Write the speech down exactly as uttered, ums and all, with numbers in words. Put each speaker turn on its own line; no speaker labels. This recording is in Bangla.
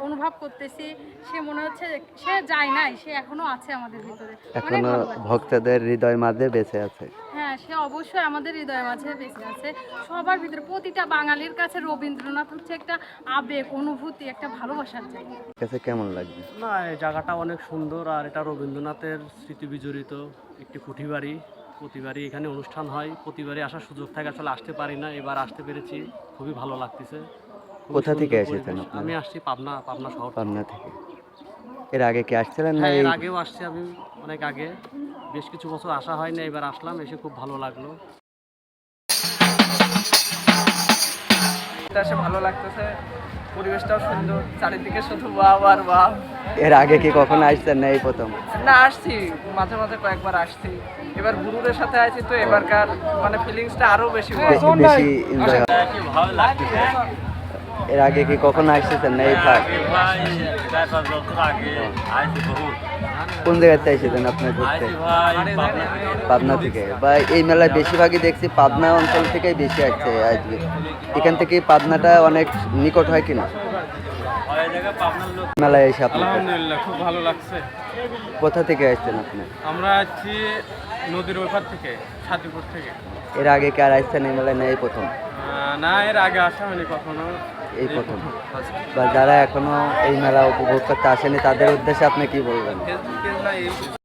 অনুভব করতেছি। সে মনে হচ্ছে সে যায় নাই, সে এখনো আছে আমাদের ভিতরে। অনেক
এখনো
ভালো লাগছে।
ভক্তদের হৃদয় মাঝে বেঁচে আছে।
হ্যাঁ, সে অবশ্যই আমাদের হৃদয়ের মাঝে বেঁচে আছে। সবার ভিতরে প্রতিটা বাঙালির কাছে রবীন্দ্রনাথ হচ্ছে একটা আবেগ, অনুভূতি, একটা ভালোবাসার জায়গা।
কাছে কেমন লাগবে?
না, এই জায়গাটা অনেক সুন্দর আর এটা রবীন্দ্রনাথের স্মৃতি বিজড়িত একটি কুঠি বাড়ি। প্রতিবারই এখানে অনুষ্ঠান হয়, প্রতিবারই আসার সুযোগ থাকে, আসলে আসতে পারি না, এবার আসতে পেরেছি, খুবই ভালো লাগতেছে। খুবই
কোথা থেকে
সুন্দর
এসেছেন
পরিবেশ।
আপনারা?
আমি আসছি পাবনা পাবনা শহর থেকে।
পাবনা থেকে। এর আগে কি আসছিলেন না
হ্যাঁ,
এই?
এর আগেও আসছি আমি, অনেক আগে, বেশ কিছু বছর আসা হয় না, এবার আসলাম, এসে খুব ভালো লাগলো।
এটা এসে ভালো লাগতেছে, পরিবেশটাও সুন্দর, চারিদিকে শুধু ওয়াও আর ওয়াও।
এর আগে কি কখনো আসছেন না এই প্রথম?
না, আসছি মাঝে মাঝে কয়েকবার আসছি, এবার গুরুদের সাথে আছি তো এবারকার মানে ফিলিংসটা আরো বেশি wow।
বে- বেশি এনজয় হয়। এর আগে কি কখনো আসছেন না এই পার্ক? কোন জায়গাতে এসেছেন আপনি ঘুরতে? পাবনা থেকে। বা এই মেলায় বেশিরভাগই দেখছি পাবনা অঞ্চল থেকেই বেশি আসছে আজকে। এখান থেকে পাবনাটা অনেক নিকট হয় কিনা মেলায় এসে আপনার?
আলহামদুলিল্লাহ, খুব ভালো লাগছে।
কোথা থেকে আসছেন আপনি?
আমরা আছি নদীর ওপার থেকে, সাথীপুর থেকে।
এর আগে কি আর আসছেন এই মেলায় না এই প্রথম?
আহ, না, এর আগে আসা হয়নি কখনো।
এই প্রথম। বা যারা এখনো এই মেলা উপভোগ করতে আসেনি তাদের উদ্দেশ্যে আপনি কি বলবেন?
ফেসবুকে না, এই